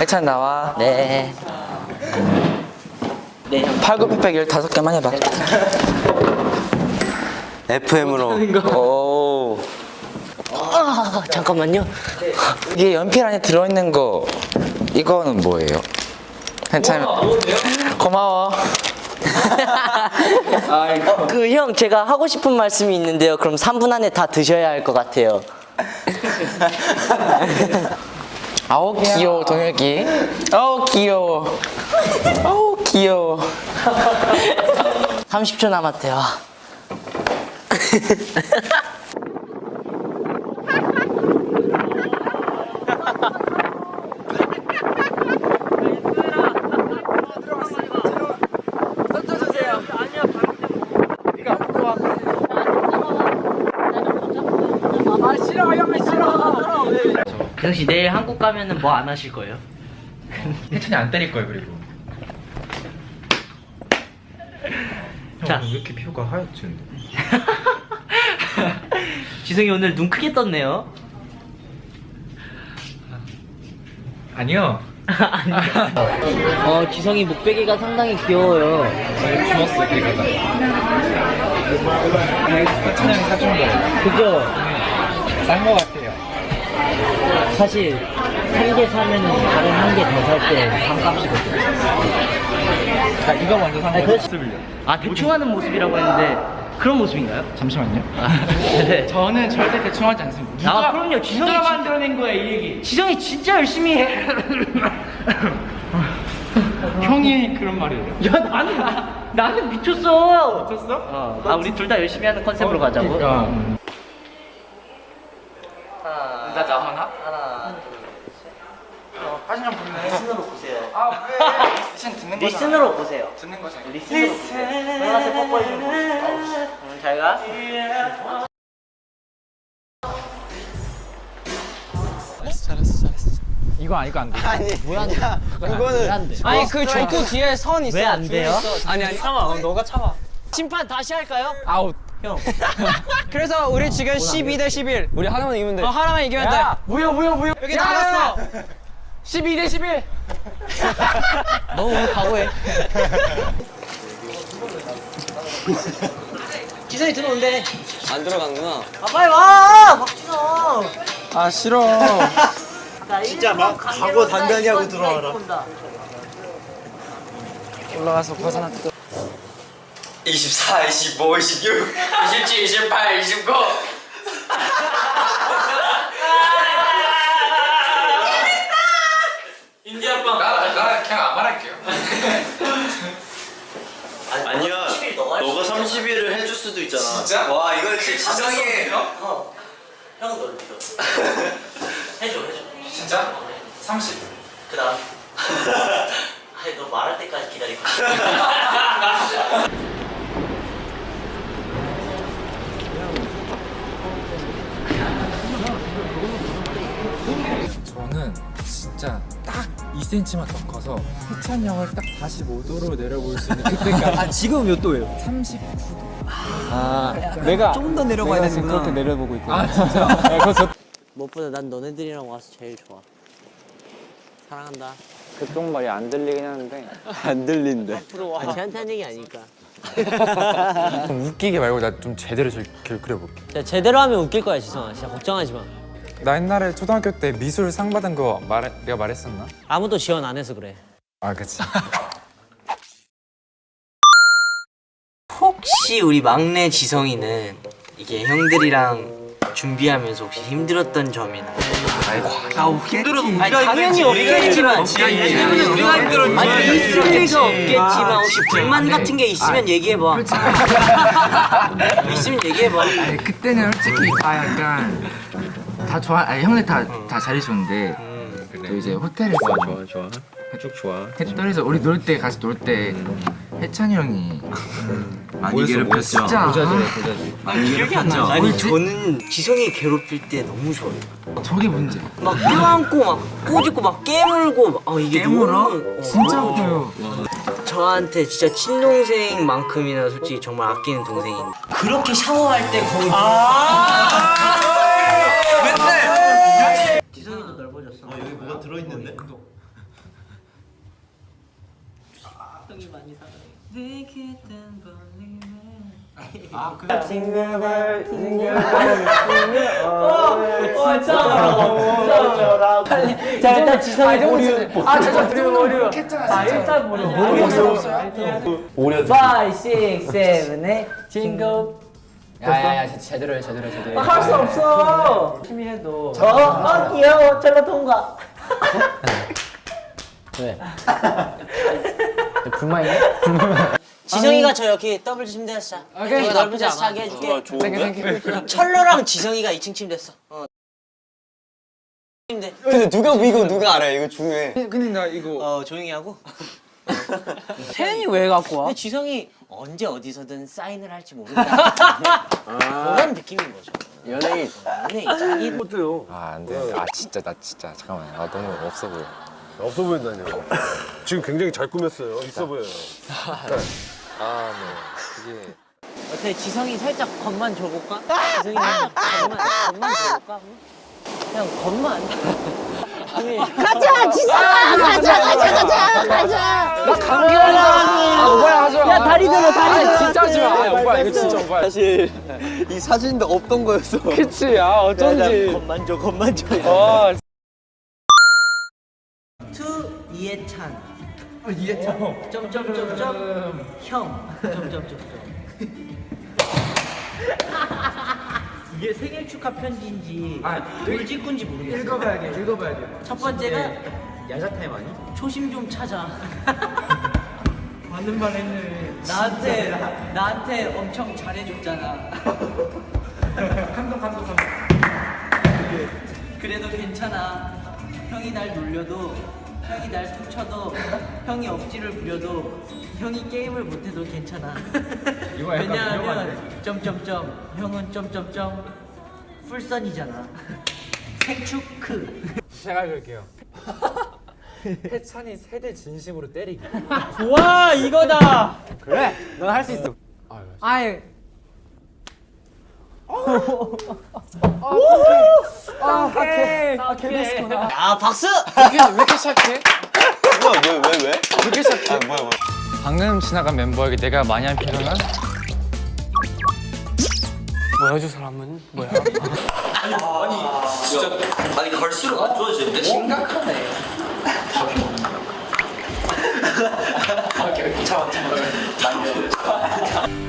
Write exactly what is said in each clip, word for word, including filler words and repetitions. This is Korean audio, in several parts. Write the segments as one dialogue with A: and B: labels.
A: 해찬 나와.
B: 네. 네, 형.
A: 팔굽혀펴기 열다섯 개만 해봐.
C: 에프엠으로.
A: 오.
B: 아, 잠깐만요.
A: 이게 연필 안에 들어있는 거 이거는 뭐예요? 괜찮아. 고마워.
B: 어, 그 형 제가 하고 싶은 말씀이 있는데요. 그럼 삼 분 안에 다 드셔야 할 것 같아요.
A: 아우 귀여워 동혁이. 아우 귀여워. 아우 귀여워.
B: 삼십 초 남았대요. 기성 씨 내일 한국 가면은 뭐 안 하실 거예요?
D: 해찬이 안 때릴 거예요. 그리고
B: 자.
D: 형 왜 이렇게 피부가 하얗지? 근데?
B: 지성이 오늘 눈 크게 떴네요.
D: 아니요.
B: 아니요. 어, 지성이 목베개가 상당히 귀여워요.
D: 주웠어 걔가. 해찬이 형이 사준 거예요.
B: 그죠?
D: 싼 거 같아요.
B: 사실 한 개 사면은 다른 한 개 더 살 때 반값이거든요.
D: 자 이거 먼저 산
B: 아니,
D: 거예요.
B: 그렇지. 아, 대충 하는 모습이라고 했는데 그런 모습인가요?
D: 잠시만요.
B: 아, 네.
D: 저는 절대 대충 하지 않습니다. 누가,
B: 아, 그럼요. 지성이
D: 누가
B: 진-
D: 만들어낸 거야 이 얘기.
B: 지성이 진짜 열심히 해.
D: 형이 그런 말이에요.
B: 야, 나는 나는 미쳤어.
D: 미쳤어?
B: 어. 아, 우리 둘 다 열심히 하는 컨셉으로 가자고.
D: 그러니까.
B: 하나,
D: 나 나하나?
B: 하나, 둘,
D: 어, 사진 좀 볼래?
B: 리슨으로 보세요.
D: 아 왜? 사진 듣는 거잖아.
B: 리슨으로 보세요.
D: 듣는 거잖아.
B: 리슨으로 보세요. 빨간색 뽀뽀해주는 거. 응, 잘 가.
D: 이거 아니까 안 돼.
C: 아니,
B: 왜 안 돼?
C: 그거는.
B: 왜안 돼?
E: 아니 그 종구 뒤에 선 있어.
B: 왜 안 돼요?
E: 아니 아니 참아. 너가 참아.
B: 심판 다시 할까요?
E: 아웃.
B: 형.
E: 그래서 우리 지금 십이 대 십일. 우리 하나만 이기면 돼. 어 하나만 이기면 돼.
D: 뭐야 뭐야 뭐야.
E: 여기 나갔어.
D: 십이 대 십일.
B: 너 오늘 각오해. 기선이 들어온대.
C: 안 들어갔구나.
B: 아, 빨리 와! 박진호!
E: 아 싫어.
B: 진짜 막 각오 단단히 하고 들어와라.
E: 올라가서 벗어났다.
C: 이십사, 이십오, 이십육, 이십칠, 이십팔, 이십구.
D: 인디아빵. 나, 나 그냥 안 말할게요.
C: 아니야. 너가 삼십 일을 해줄 수도 있잖아.
D: 진짜?
C: 와, 이거 진짜 지성이.
B: 어. 형은 너를 믿어. 해줘, 해줘.
D: 진짜? 삼십.
B: 그 다음. 아니, 너 말할 때까지 기다리고.
F: 저는 진짜 딱 이 센티미터만 더 커서 해찬이 형을 딱 사십오 도로 내려볼 수 있는 그때까지.
E: 아 지금 몇 도예요?
F: 삼십구 도.
E: 아 내가 좀 더 내려가야
F: 내가 지금
E: 되는구나.
F: 그렇게 내려보고 있거든.
E: 아 진짜.
F: 네, 그거 좋.
B: 무엇보다 난 너네들이랑 와서 제일 좋아. 사랑한다.
E: 그쪽 말이 안 들리긴 하는데.
C: 안 들린대.
B: 아, 쟤한테 한 얘기 아니니까.
F: 웃기게 말고 나 좀 제대로 저- 그- 그려볼게.
B: 야, 제대로 하면 웃길 거야, 지성아. 진짜 걱정하지 마.
F: 나 옛날에 초등학교 때 미술 상 받은 거 말, 내가 말했었나?
B: 아무도 지원 안 해서 그래.
F: 아 그치.
B: 혹시 우리 막내 지성이는 이게 형들이랑 준비하면서 혹시 힘들었던 점이나?
C: 아우, 힘들어도
B: 아니 당연히 없겠지만
C: 우리가 힘들었지.
B: 아니 있을 리가 없겠지만 혹시 불만 같은 게 있으면 얘기해봐. 있으면 얘기해봐.
G: 아니 그때는 솔직히 다 약간 다 좋아. 아니 형들 다 다 잘해줬는데 또 이제 호텔에서
C: 좋아, 좋아. 쭉 좋아.
G: 호텔에서 우리 놀 때 같이 놀 때 해찬이 형이
C: 많이 괴롭혔죠.
G: 진짜
C: 많이 괴롭혔죠.
B: 아니 저는 지성이 괴롭힐 때 너무 좋아요.
G: 저게 문제.
B: 막 껴안고 막 꼬집고 막 깨물고 막, 어 이게
C: 깨물어?
B: 너무, 어,
G: 진짜
B: 너무
G: 아파요.
B: 저한테 진짜 친동생만큼이나 솔직히 정말 아끼는 동생인데 그렇게 샤워할 때 거의 맨날 지성이도 넓어졌어.
C: 여기 뭐가 들어있는데?
B: 자 일단 지성이 보류.
A: 아 진짜 드리블 오류. 아 일단 보류. 모르겠어 없어요?
B: 오, 육, 칠, 팔 징글.
E: 야야야 제대로 해 제대로 해 제대로 해.
B: 할 수 없어. 열심히 해도. 어, 어 귀여워. 젤라 통과.
E: 왜? 불만이야?
B: 지성이가 저 여기 더블 침대에서 자.
E: 오케이.
B: 여기 넓은 데서 자게 해줄게.
C: 좋은데?
B: 철러랑 지성이가 이 층 침대였어. 어. 침대.
H: 근데 누가 이거 누가 알아? 이거 중요해.
F: 근데 나 이거
B: 어 조용히 하고.
E: 태연이 왜 갖고 와?
B: 근데 지성이 언제 어디서든 사인을 할지 모른다. 그런 느낌인 거죠.
H: 연예인.
B: 연예인 짱이.
A: 아 안돼. 아 진짜 나 진짜 잠깐만. 아 너무 없어 보여.
I: 없어 보인다니요. 지금 굉장히 잘 꾸몄어요. 있어 보여요.
A: 아 네. 이게
B: 어때 지성이 살짝 겉만 줘볼까? 지성이 겉만 겉만 줘볼까? 그냥 겉만.
J: 가자 지성아 가자 가자 가자 가자.
E: 나 감기 걸린다. 아 오빠야 하지 마.
B: 야 다리 들어 다리 들어.
E: 진짜 하지 마. 아 오빠 이거 진짜 오빠.
H: 사실 이 사진도 없던 거였어.
E: 그치 아 어쩐지.
B: 겉만 줘 겉만 줘.
E: 어.
B: 투 이해찬. 어 이해찬. 점점점점 형. 점점점점. 이게 생일 축하 편지인지 돌직구인지 모르겠어.
F: 읽어봐야 돼 읽어봐야 돼.
B: 첫 번째가 야자 타임 아니? 초심 좀 찾아. 맞는 말 했네. 나한테 나한테 엄청 잘해줬잖아. 감동 감동 감동. 그래도 괜찮아. 형이 날 놀려도 형이 날 툭쳐도 형이 억지를 부려도 형이 게임을 못해도 괜찮아. 왜냐하면 점점점 형은 점점점 풀선이잖아. 생축크.
F: 제가 읽을게요. 해찬이 세대 진심으로 때리기.
E: 와 이거다.
F: 그래? 넌 할 수 있어.
E: 아이. 아 오케이. 아 개베스구나.
B: 아 박수.
A: 왜 이렇게 시작해?
C: 뭐야 왜 왜 왜?
A: 그렇게 시작해?
C: 아 뭐야 뭐야?
A: 방금 지나간 멤버에게 내가 많이 한 표현은?
E: 뭐야 저 사람은 뭐야?
C: 아니 갈수록 안 좋아지는데? 심각하네. 오케이 잠깐 잠깐.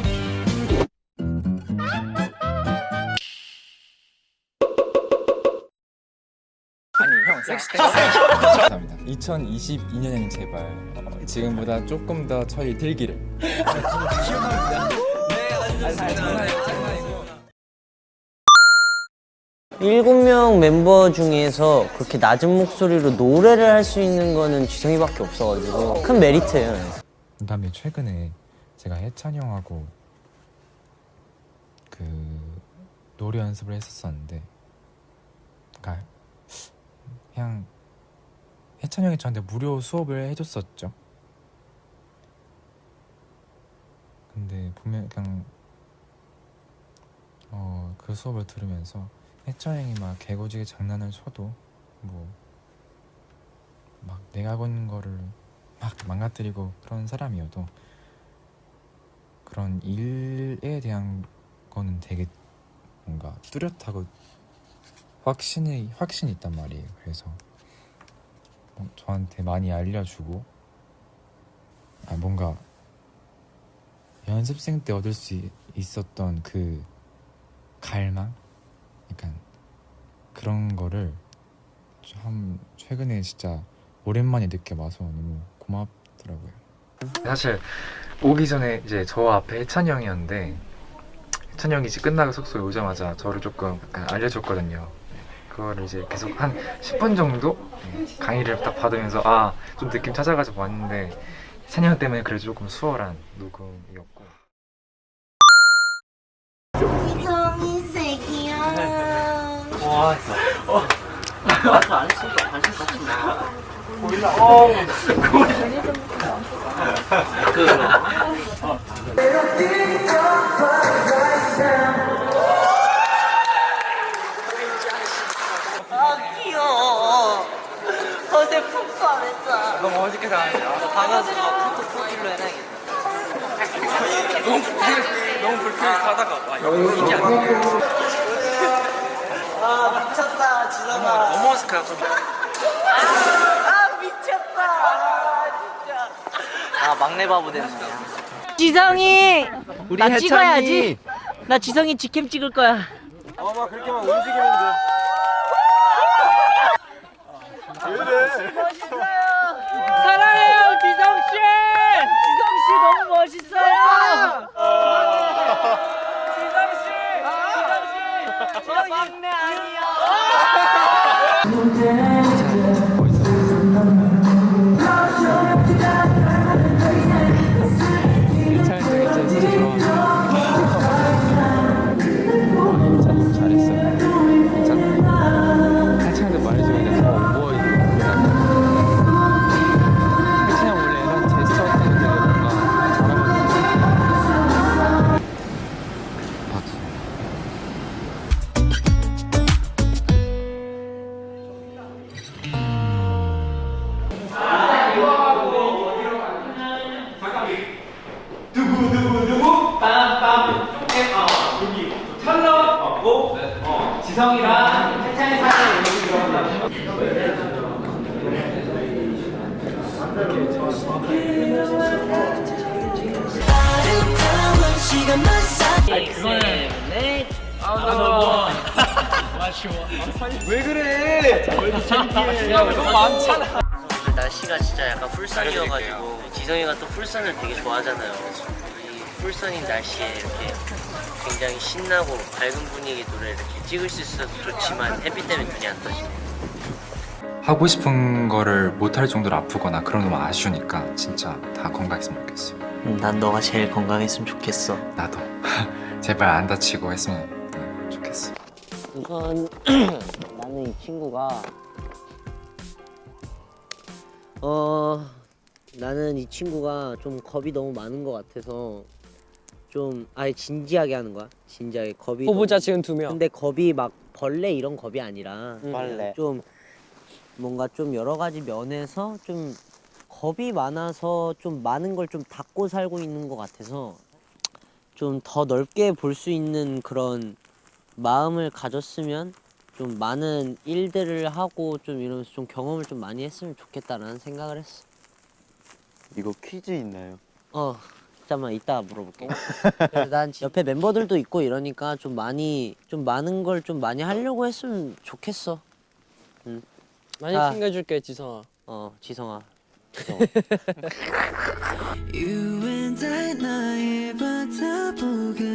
A: 아니 형 섹시
F: 감사합니다. 이천이십이 년에는 제발 어, 지금보다 조금 더 철이 들기를.
B: 일곱 명 멤버 중에서 그렇게 낮은 목소리로 노래를 할 수 있는 거는 지성이밖에 없어가지고 큰 메리트예요.
F: 그다음에 최근에 제가 해찬이 형하고 그 노래 연습을 했었었는데, 그러니까 그냥 해찬이 형이 저한테 무료 수업을 해줬었죠. 근데 분명 그냥 어, 그 수업을 들으면서 해찬이 형이 막 개고지게 장난을 쳐도 뭐 막 내가 하고 있는 거를 막 망가뜨리고 그런 사람이어도 그런 일에 대한 거는 되게 뭔가 뚜렷하고 확신이 확신이 있단 말이에요. 그래서 뭐 저한테 많이 알려주고, 아 뭔가 연습생 때 얻을 수 있었던 그 갈망, 약간 그런 거를 참 최근에 진짜 오랜만에 느껴봐서 너무 고맙더라고요. 사실 오기 전에 이제 저 앞에 해찬이 형이었는데, 해찬이 형이 이제 끝나고 숙소에 오자마자 저를 조금 약간 알려줬거든요. 그거를 이제 계속 한 십 분 정도 강의를 딱 받으면서 아 좀 느낌 찾아가지고 왔는데, 해찬이 형 때문에 그래도 조금 수월한 녹음이었고.
J: 지성이 새끼야.
B: 와 진짜. 어. 나도 안 했으니까 관심 갖지 마. 몰라. 어.
J: 아 귀여워. 어제 푹 안 했어.
E: 너무 어저께 다.
B: 방에서 카톡 프로필로 해놔야겠다.
D: 너무 불쾌 너무 불쾌해서 하다가 와 이거 이게 안 돼.
B: 아 미쳤다 지성아.
D: 넘어와서 그냥 좀.
B: 아 미쳤다. 아 진짜. 아 막내 바보 됐네. 지성이 나 찍어야지. 나 지성이 직캠 찍을 거야.
I: 어, 막 그렇게만 움직이면 돼. 왜 이래?
B: 사랑해요 지성 씨. 지성 씨 너무 멋있어요. 지성 씨. 지성 씨. 저 막내 아니야.
K: 날씨가 진짜 약간 풀선이어가지고 지성이가 또 풀선을 되게 좋아하잖아요. 이 풀선인 날씨에 이렇게 굉장히 신나고 밝은 분위기 노래 이렇게 찍을 수 있어서 좋지만 햇빛 때문에 눈이 안 떠지네요.
F: 하고 싶은 거를 못할 정도로 아프거나 그런 너무 아쉬우니까 진짜 다 건강했으면 좋겠어.
K: 음, 난 너가 제일 건강했으면 좋겠어.
F: 나도 제발 안 다치고 했으면 좋겠어.
B: 우선 나는 이 친구가 어 나는 이 친구가 좀 겁이 너무 많은 것 같아서 좀 아예 진지하게 하는 거야. 진지하게 겁이
E: 후보자
B: 너무,
E: 지금 두 명.
B: 근데 겁이 막 벌레 이런 겁이 아니라
H: 벌레.
B: 좀 뭔가 좀 여러 가지 면에서 좀 겁이 많아서 좀 많은 걸 좀 닫고 살고 있는 것 같아서 좀 더 넓게 볼 수 있는 그런 마음을 가졌으면 좀 많은 일들을 하고 좀 이러면서 좀 경험을 좀 많이 했으면 좋겠다라는 생각을 했어.
H: 이거 퀴즈 있나요?
B: 어, 잠깐만 이따 물어볼게. 그래서 난 옆에 멤버들도 있고 이러니까 좀 많이 좀 많은 걸 좀 많이 하려고 했으면 좋겠어. 응.
E: 많이
B: 아.
E: 챙겨줄게 지성아.
B: 어, 지성아.
L: You and I 나의 바다 보고